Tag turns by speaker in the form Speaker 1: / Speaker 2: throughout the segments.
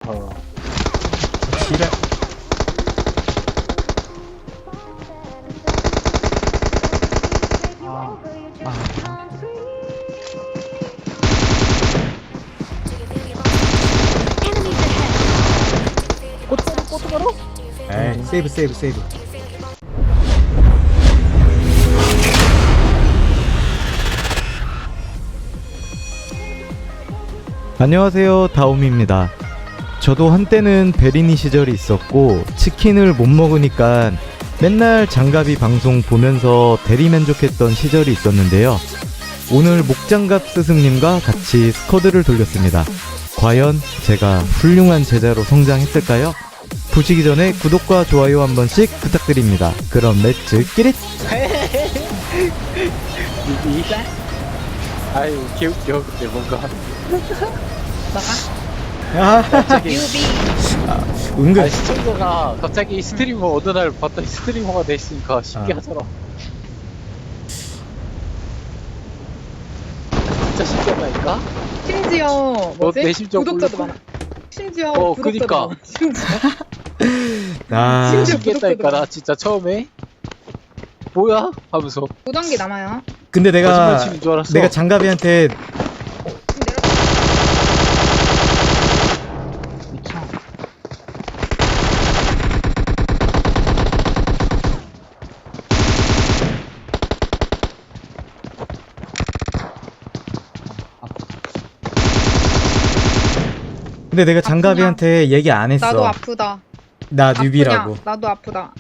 Speaker 1: 지랄.
Speaker 2: 꼬투바로?
Speaker 1: 에이, 세이브. 안녕하세요, 다옴입니다. 저도 한때는 베리니 시절이 있었고 치킨을 못 먹으니까 맨날 장갑이 방송 보면서 대리만족했던 시절이 있었는데요. 오늘 목장갑 스승님과 같이 스쿼드를 돌렸습니다. 과연 제가 훌륭한 제자로 성장했을까요? 보시기 전에 구독과 좋아요 한 번씩 부탁드립니다. 그럼 렛츠 끼릿!
Speaker 2: 아유 귀엽죠. 근데 뭔가
Speaker 1: 아,
Speaker 2: 갑자기
Speaker 1: 은근
Speaker 2: 시청자가 갑자기 스트리머 어느 날 봤더니 스트리머가 됐으니까 신기하더라. 진짜 신기하다니까?
Speaker 3: 심지어 뭐지?
Speaker 2: 내 심정
Speaker 3: 구독자도
Speaker 2: 모르고?
Speaker 3: 많아. 심지어 구독자도
Speaker 2: 그니까.
Speaker 3: 많아. 심지어
Speaker 1: 아,
Speaker 3: 심지어
Speaker 2: 신기했다니까 나 진짜 처음에 뭐야? 하면서
Speaker 3: 5단계 남아요.
Speaker 1: 근데
Speaker 2: 거짓말 치는 줄 알았어.
Speaker 1: 내가 장갑이한테
Speaker 3: 지금
Speaker 2: 미쳐.
Speaker 1: 근데 내가 장갑이한테 얘기 안 했어.
Speaker 3: 나도 아프다.
Speaker 1: 나 뉴비라고.
Speaker 3: 아프냐? 나도 아프다.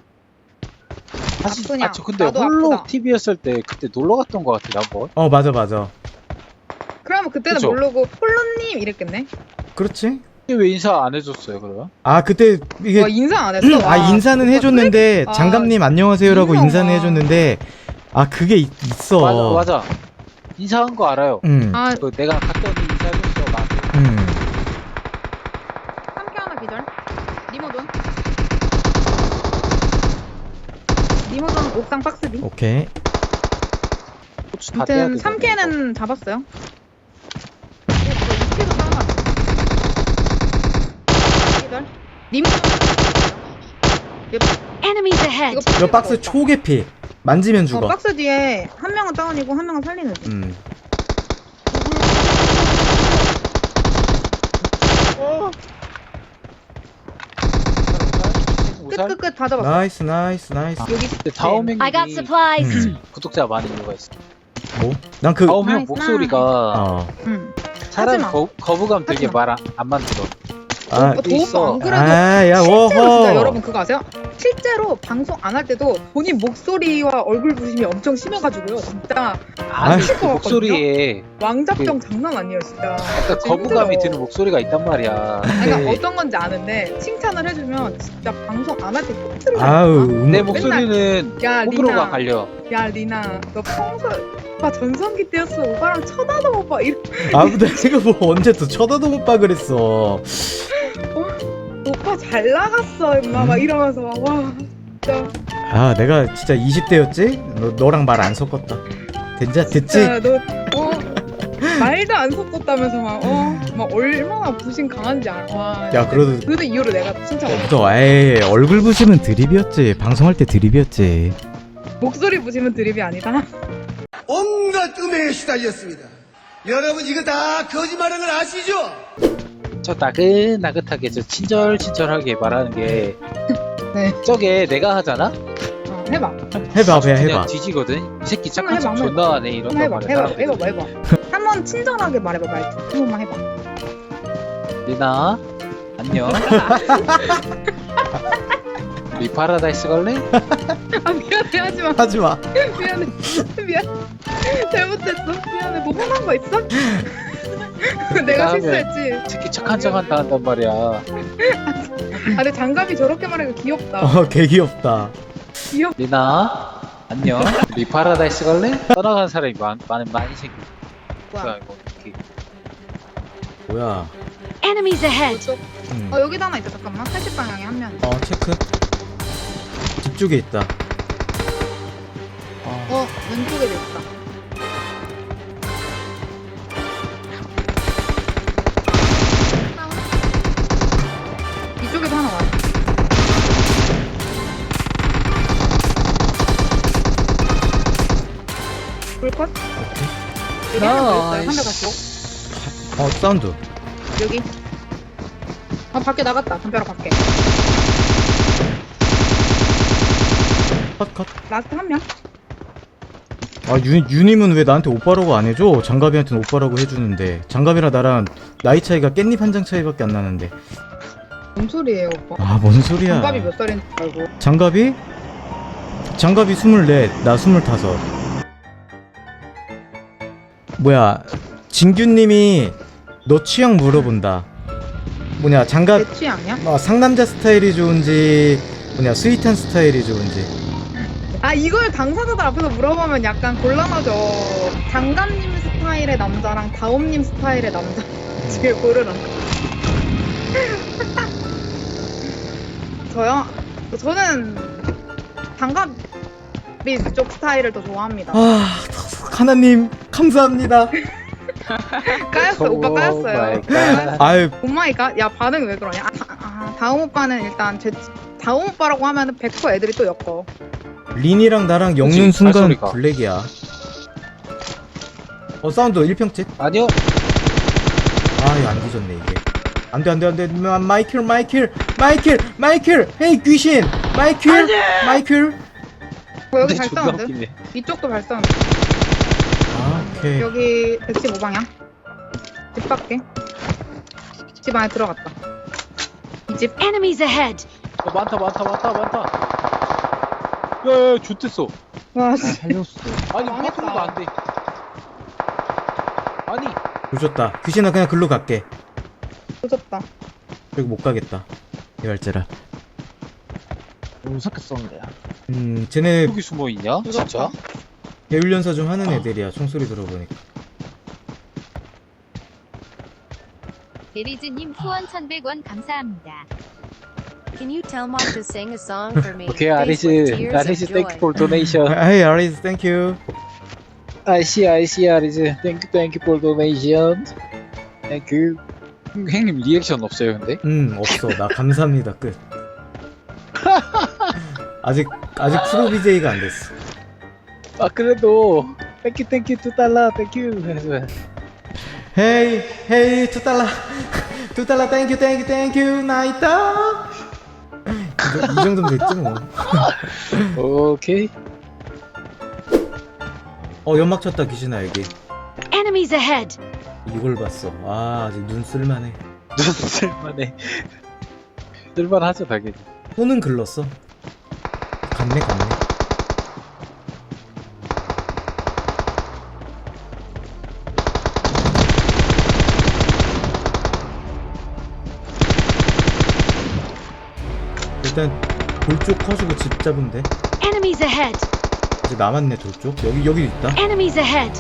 Speaker 2: 사실
Speaker 3: 아프냐?
Speaker 2: 저 근데
Speaker 3: 나도
Speaker 2: 홀로
Speaker 3: 아프다.
Speaker 2: TV였을 때 그때 놀러 갔던 것 같아 한번.
Speaker 1: 맞아.
Speaker 3: 그러면 그때는
Speaker 2: 그쵸?
Speaker 3: 모르고 폴로님 이랬겠네.
Speaker 1: 그렇지?
Speaker 2: 근데 왜 인사 안 해줬어요 그러면?
Speaker 1: 아, 그때 이게
Speaker 3: 와 인사 안 했어. 와,
Speaker 1: 인사는
Speaker 3: 오빠
Speaker 1: 해줬는데
Speaker 3: 아,
Speaker 1: 장갑님 안녕하세요라고
Speaker 3: 인사가.
Speaker 1: 인사는 해줬는데 그게 있어.
Speaker 2: 맞아. 인사한 거 알아요.
Speaker 3: 아
Speaker 2: 그 내가 갔더니 인사해줬어 나한테.
Speaker 3: 3개 하나 기절. 리모돈. 리모돈 옥상 박스 B.
Speaker 1: 오케이.
Speaker 2: 고추 다 떼야
Speaker 3: 아무튼
Speaker 2: 되거든,
Speaker 3: 3개는 잡았어요. 2킬도 싸움 기절. 리모돈.
Speaker 4: Enemies ahead.
Speaker 1: 저 박스 초계피 만지면 죽어.
Speaker 3: 박스 뒤에 한 명은 다운이고 한 명은 살리는 중.
Speaker 2: 오살?
Speaker 3: 끝 다 잡았어.
Speaker 1: 나이스.
Speaker 3: 여기
Speaker 2: 근데 다음행이
Speaker 4: I got supplies.
Speaker 2: 구독자 많은 이유가 있어.
Speaker 1: 뭐? 난 그
Speaker 2: 다음행
Speaker 3: 나이스,
Speaker 2: 목소리가
Speaker 3: 응.
Speaker 2: 사람
Speaker 3: 하지마.
Speaker 2: 거부감 들게
Speaker 3: 하지마.
Speaker 2: 말 안 만들어.
Speaker 3: 도움도 안 그래도
Speaker 1: 야,
Speaker 3: 실제로 진짜
Speaker 1: 워허.
Speaker 3: 여러분 그거 아세요? 실제로 방송 안 할 때도 본인 목소리와 얼굴 부심이 엄청 심해가지고요. 진짜
Speaker 2: 아니
Speaker 3: 미칠
Speaker 2: 그
Speaker 3: 것
Speaker 2: 목소리에
Speaker 3: 왕자병 장난 아니에요, 진짜.
Speaker 2: 약간
Speaker 3: 진짜
Speaker 2: 거부감이
Speaker 3: 힘들어.
Speaker 2: 드는 목소리가 있단 말이야.
Speaker 3: 그러니까
Speaker 2: 근데
Speaker 3: 어떤 건지 아는데 칭찬을 해주면 진짜 방송 안 할 때 톡트를
Speaker 1: 아우,
Speaker 2: 내 목소리는
Speaker 3: 야
Speaker 2: 호불호가
Speaker 3: 리나,
Speaker 2: 갈려.
Speaker 3: 야 리나, 너 평소 오빠 전성기 때였어. 오빠랑 쳐다도 못 봐.
Speaker 1: 근데 내가 뭐 언제 또 쳐다도 못 봐 그랬어.
Speaker 3: 오빠 잘 나갔어, 임마. 막 이러면서 막, 와 진짜.
Speaker 1: 내가 진짜 20대였지? 너랑 말 안 섞었다. 됐지?
Speaker 3: 진짜 너 말도 안 섞었다면서 막 얼마나 부심 강한지 알아. 와.
Speaker 1: 야, 그래도
Speaker 3: 그 이후로 내가 진짜
Speaker 1: 에이, 얼굴 부심은 드립이었지. 방송할 때 드립이었지.
Speaker 3: 목소리 부심은 드립이 아니다.
Speaker 5: 온갖 음해에 시달렸습니다. 여러분 이거 다 거짓말하는 걸 아시죠?
Speaker 2: 저 나긋나긋하게 저 친절하게 말하는 게
Speaker 3: 네.
Speaker 2: 저게 내가 하잖아?
Speaker 3: 해봐.
Speaker 1: 해봐.
Speaker 2: 그냥 뒤지거든? 이 새끼 착한 척
Speaker 3: 한번 해봐,
Speaker 2: 존나 하네 이런단
Speaker 3: 해봐.
Speaker 2: 말이야 사람들이.
Speaker 3: 해봐. 한번 친절하게 말해봐, 말투. 한 번만 해봐.
Speaker 2: 리나 안녕. 우리 파라다이스 갈래?
Speaker 3: 아 미안해, 하지마.
Speaker 1: 하지마.
Speaker 3: 미안. 잘못했어. 미안해. 뭐 화난 거 있어? 내가
Speaker 2: 다음에
Speaker 3: 실수했지.
Speaker 2: 특히 착한 척 한다 한단 말이야.
Speaker 3: 아 근데 장갑이 저렇게 말하니까 귀엽다.
Speaker 1: 개 귀엽다.
Speaker 2: 리나 안녕. 우리 파라다이스 갈래? 떠나간 사람이 많이 생겨.
Speaker 3: 뭐야?
Speaker 2: 이거 어떻게
Speaker 1: 뭐야?
Speaker 4: Enemies ahead.
Speaker 3: 여기도 하나 있다. 잠깐만. 80방향에 한 명.
Speaker 1: 체크. 뒤쪽에 있다.
Speaker 3: 왼쪽에도 있다. 불컷?
Speaker 1: 오케이.
Speaker 3: 여기 하나 더 있어요. 한대
Speaker 2: 나이스.
Speaker 3: 가지고.
Speaker 1: 사운드.
Speaker 3: 여기. 밖에 나갔다. 담벼락 밖에.
Speaker 1: 컷.
Speaker 3: 라스트 한 명.
Speaker 1: 아 유님은 왜 나한테 오빠라고 안 해줘? 장갑이한테는 오빠라고 해주는데 장갑이랑 나랑 나이 차이가 깻잎 한 장 차이밖에 안 나는데.
Speaker 3: 뭔 소리예요, 오빠?
Speaker 1: 아 뭔 소리야?
Speaker 3: 장갑이 몇 살인지 알고.
Speaker 1: 장갑이 24, 나 25. 뭐야, 진규님이 너 취향 물어본다. 뭐냐, 장갑
Speaker 3: 내 취향이야?
Speaker 1: 상남자 스타일이 좋은지 뭐냐 스윗한 스타일이 좋은지.
Speaker 3: 아, 이걸 당사자들 앞에서 물어보면 약간 곤란하죠. 장갑님 스타일의 남자랑 다옴님 스타일의 남자 중에 고르라. 저요? 저는 장갑이 쪽 스타일을 더 좋아합니다.
Speaker 1: 아 하나님 감사합니다.
Speaker 3: 까였어, 오빠 까였어요.
Speaker 1: 아유
Speaker 3: 오마이갓, 야 반응 왜 그러냐? 다음 오빠는 일단 다음 오빠라고 하면은 100% 애들이 또 엮어.
Speaker 1: 린이랑 나랑 엮는
Speaker 2: 그치,
Speaker 1: 순간
Speaker 2: 발소리가.
Speaker 1: 블랙이야. 사운드 1평집.
Speaker 2: 아니요.
Speaker 1: 아 이거 안 뒤졌네 이게. 안돼 마이클 헤이 귀신 마이클.
Speaker 3: 여기
Speaker 2: 근데 존나
Speaker 3: 발사운드.
Speaker 2: 웃기네.
Speaker 3: 이쪽도 발사운드.
Speaker 1: 아 오케이.
Speaker 3: 여기 115방향. 집 밖에. 집 안에 들어갔다. 이 집.
Speaker 4: Enemies ahead.
Speaker 2: 많다. 야야 좋댔어.
Speaker 3: 와, 씨.
Speaker 2: 살렸어. 아니
Speaker 3: 망했다.
Speaker 2: 파트로도 안 돼. 아니.
Speaker 1: 조졌다. 귀신아 그냥 글로 갈게.
Speaker 3: 조졌다.
Speaker 1: 여기 못 가겠다. 이발제라.
Speaker 2: 무섭게 쏘는데요.
Speaker 1: 쟤네
Speaker 2: 여기 숨어 있냐? 진짜?
Speaker 1: 배울연사 좀 하는 애들이야. 총소리 들어보니까.
Speaker 6: 베리즈님 후원 1100원 감사합니다.
Speaker 7: Can you tell Mom to sing a song for me?
Speaker 2: 오케이
Speaker 7: Faced with
Speaker 2: 아리즈.
Speaker 7: tears of
Speaker 2: 아리즈
Speaker 7: joy.
Speaker 2: 땡큐 폴 도네이션.
Speaker 1: Hey Aris, thank you.
Speaker 2: 아리즈 땡큐 폴 도네이션. 땡큐. 형님 리액션 없어요 근데?
Speaker 1: 없어. 나 감사합니다. 끝. 아직 프로 BJ가 안 됐어.
Speaker 2: 아 그래도 땡큐 $2 땡큐.
Speaker 1: Hey, $2. $2, thank you, 나이다. 이 정도면 됐지 뭐.
Speaker 2: 오케이.
Speaker 1: 연막 쳤다 귀신아 여기.
Speaker 4: Enemies ahead.
Speaker 1: 이걸 봤어. 아 아직 눈 쓸만해.
Speaker 2: 눈 쓸만해. 쓸만하죠 당연히.
Speaker 1: 손은 글렀어. 갔네. 일단 돌쪽 커지고 집 잡으면 돼.
Speaker 4: Enemies ahead.
Speaker 1: 이제 남았네 돌쪽. 여기 있다.
Speaker 4: Enemies ahead.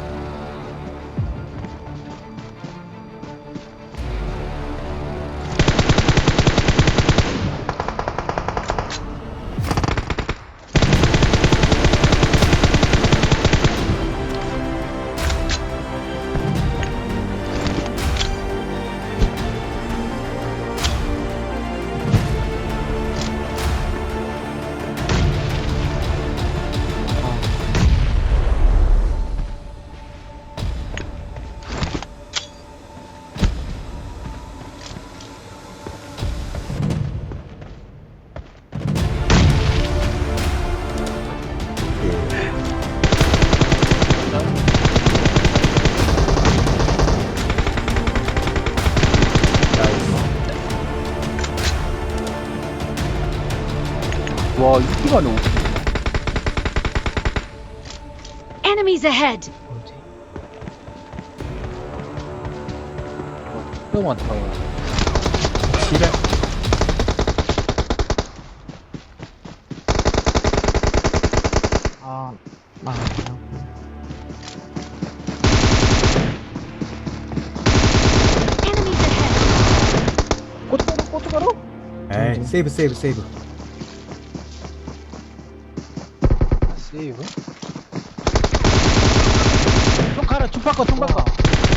Speaker 2: 와 이기가 너무.
Speaker 4: Enemies ahead.
Speaker 2: 너무 많다.
Speaker 1: 지랄.
Speaker 4: Enemies ahead.
Speaker 2: 고춧가루?
Speaker 1: 에이 세이브.
Speaker 2: 세이브? 총 바꿔.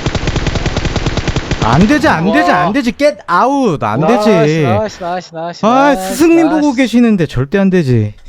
Speaker 1: 안 되지. get out. 안 되지.
Speaker 2: 나이스.
Speaker 1: 아 스승님 보고 계시는데 절대 안 되지.